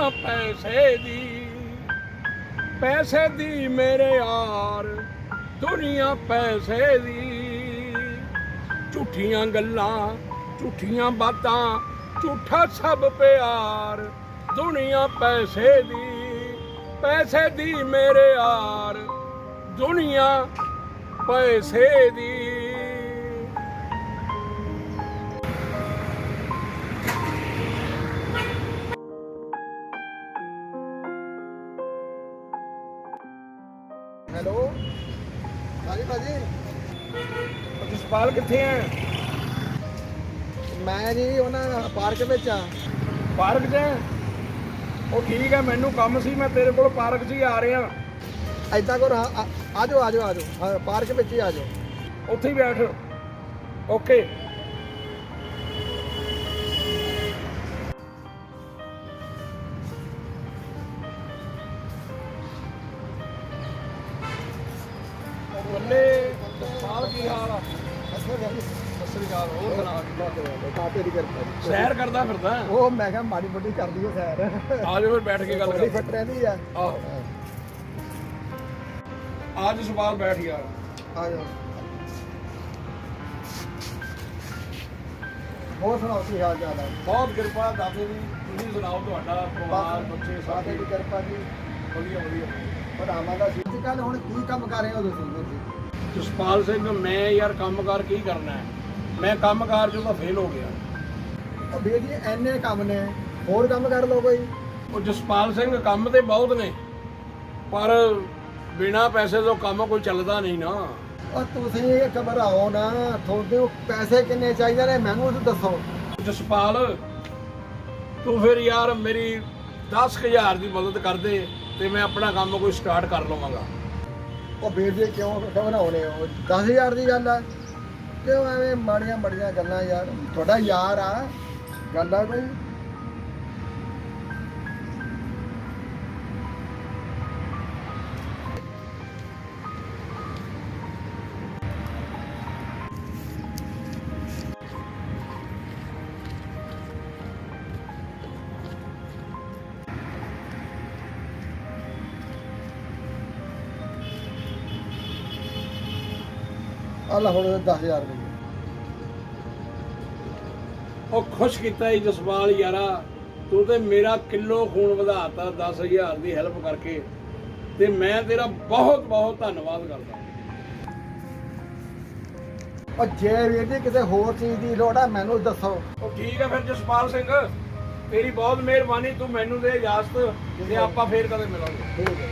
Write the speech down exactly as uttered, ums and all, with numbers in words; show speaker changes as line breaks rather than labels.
ਦੁਨੀਆ ਪੈਸੇ ਦੀ, ਪੈਸੇ ਦੀ ਮੇਰੇ ਯਾਰ ਦੁਨੀਆ ਪੈਸੇ ਦੀ। ਝੂਠੀਆਂ ਗੱਲਾਂ ਝੂਠੀਆਂ ਬਾਤਾਂ ਝੂਠਾ ਸਭ ਪਿਆਰ ਦੁਨੀਆ ਪੈਸੇ ਦੀ, ਪੈਸੇ ਦੀ ਮੇਰੇ ਯਾਰ ਦੁਨੀਆ ਪੈਸੇ ਦੀ।
ਹੈਲੋ ਹਾਂਜੀ ਭਾਜੀ,
ਜਸਪਾਲ ਕਿੱਥੇ ਹੈ?
ਮੈਂ ਜੀ ਉਹਨਾਂ ਪਾਰਕ ਵਿੱਚ ਆ।
ਪਾਰਕ 'ਚ ਹੈ? ਉਹ ਠੀਕ ਹੈ, ਮੈਨੂੰ ਕੰਮ ਸੀ, ਮੈਂ ਤੇਰੇ ਕੋਲ ਪਾਰਕ 'ਚ ਹੀ ਆ ਰਿਹਾ।
ਐਦਾਂ ਕਰੋ, ਆ ਜਾਓ ਆ ਜਾਓ ਆ ਜਾਓ, ਹਾਂ ਪਾਰਕ ਵਿੱਚ ਹੀ ਆ ਜਾਓ।
ਉੱਥੇ ਹੀ ਬੈਠ। ਓਕੇ। ਬੱਲੇ ਜਸਪਾਲ, ਕੀ ਹਾਲ ਆ? ਸਤਿ ਸ੍ਰੀ ਅਕਾਲ। ਹੋਰ ਸੁਣਾ?
ਕਾਪੇ ਦੀ ਕਿਰਪਾ ਜੀ।
ਸੈਰ ਕਰਦਾ ਫਿਰਦਾ?
ਉਹ ਮੈਂ ਕਿਹਾ ਮਾੜੀ ਮੋਟੀ ਕਰਦੀ ਹੈ ਸੈਰ।
ਆ ਜਾਓ ਫਿਰ ਬੈਠ ਕੇ ਗੱਲ
ਬੜੀ
ਕਰ।
ਫਿੱਟ ਰਹਿੰਦੀ ਆ।
ਆਹੋ ਆ ਜਸਪਾਲ ਬੈਠ ਯਾਰ।
ਆ ਜਾਓ। ਹੋਰ ਸੁਣਾਓ ਕੀ ਹਾਲ ਚਾਲ ਹੈ?
ਬਹੁਤ ਕਿਰਪਾ ਦਾਦੇ ਦੀ। ਤੁਸੀਂ ਸੁਣਾਓ, ਤੁਹਾਡਾ ਪਰਿਵਾਰ ਬੱਚੇ
ਕਾਪੇ
ਸਾਰੇ?
ਦੀ ਕਿਰਪਾ ਜੀ।
ਵਧੀਆ ਵਧੀਆ।
ਭਰਾਵਾਂ ਦਾ ਸੀ। ਅੱਜ ਕੱਲ ਹੁਣ ਕੀ ਕੰਮ ਕਰ ਰਹੇ ਹੋ ਤੁਸੀਂ?
ਜਸਪਾਲ ਸਿੰਘ, ਮੈਂ ਯਾਰ ਕੰਮਕਾਰ ਕੀ ਕਰਨਾ ਹੈ? ਮੈਂ ਕੰਮਕਾਰ ਚੋਂ ਤਾਂ ਫੇਲ ਹੋ ਗਿਆ।
ਉਹ ਵੀਰ ਜੀ ਐਨੇ ਕੰਮ ਨੇ, ਹੋਰ ਕੰਮ ਕਰ ਲਓ ਕੋਈ।
ਉਹ ਜਸਪਾਲ ਸਿੰਘ, ਕੰਮ ਤੇ ਬਹੁਤ ਨੇ, ਪਰ ਬਿਨਾ ਪੈਸੇ ਤੋਂ ਕੰਮ ਕੋਈ ਚੱਲਦਾ ਨਹੀਂ ਨਾ।
ਉਹ ਤੁਸੀਂ ਘਬਰਾਓ ਨਾ, ਤੁਹਾਡੇ ਪੈਸੇ ਕਿੰਨੇ ਚਾਹੀਦੇ ਨੇ ਮੈਨੂੰ ਦੱਸੋ।
ਜਸਪਾਲ, ਤੂੰ ਫਿਰ ਯਾਰ ਮੇਰੀ ਦਸ ਹਜ਼ਾਰ ਦੀ ਮਦਦ ਕਰ ਦੇ ਤੇ ਮੈਂ ਆਪਣਾ ਕੰਮ ਕੋਈ ਸਟਾਰਟ ਕਰ ਲਵਾਂਗਾ।
ਉਹ ਵੀਰ ਜੀ ਕਿਉਂ ਘਬਰਾਉਣੇ ਹੋ? ਦਸ ਹਜ਼ਾਰ ਦੀ ਗੱਲ ਆ, ਕਿਉਂ ਐਵੇਂ ਮਾੜੀਆਂ ਮਾੜੀਆਂ ਗੱਲਾਂ ਯਾਰ? ਤੁਹਾਡਾ ਯਾਰ ਆ, ਗੱਲ ਆ ਕੋਈ? ਅੱਲਾ ਹੁਣ ਦਸ ਹਜ਼ਾਰ ਰੁਪਏ।
ਉਹ ਖੁਸ਼ ਕੀਤਾ ਹੀ ਜਸਪਾਲ ਯਾਰਾ, ਤੂੰ ਤੇ ਮੇਰਾ ਕਿਲੋ ਖੂਨ ਵਧਾਤਾ ਦਸ ਹਜ਼ਾਰ ਦੀ ਹੈਲਪ ਕਰਕੇ, ਤੇ ਮੈਂ ਤੇਰਾ ਬਹੁਤ ਬਹੁਤ ਧੰਨਵਾਦ ਕਰਦਾ।
ਉਹ ਜੇ ਵੀਰ ਜੀ ਕਿਸੇ ਹੋਰ ਚੀਜ਼ ਦੀ ਲੋੜ ਆ ਮੈਨੂੰ ਦੱਸੋ।
ਉਹ ਠੀਕ ਹੈ ਫਿਰ ਜਸਪਾਲ ਸਿੰਘ, ਤੇਰੀ ਬਹੁਤ ਮਿਹਰਬਾਨੀ, ਤੂੰ ਮੈਨੂੰ ਦੇ ਇਜਾਜ਼ਤ ਤੇ ਆਪਾਂ ਫੇਰ ਕਦੇ ਮਿਲਾਂਗੇ।
ਠੀਕ ਹੈ।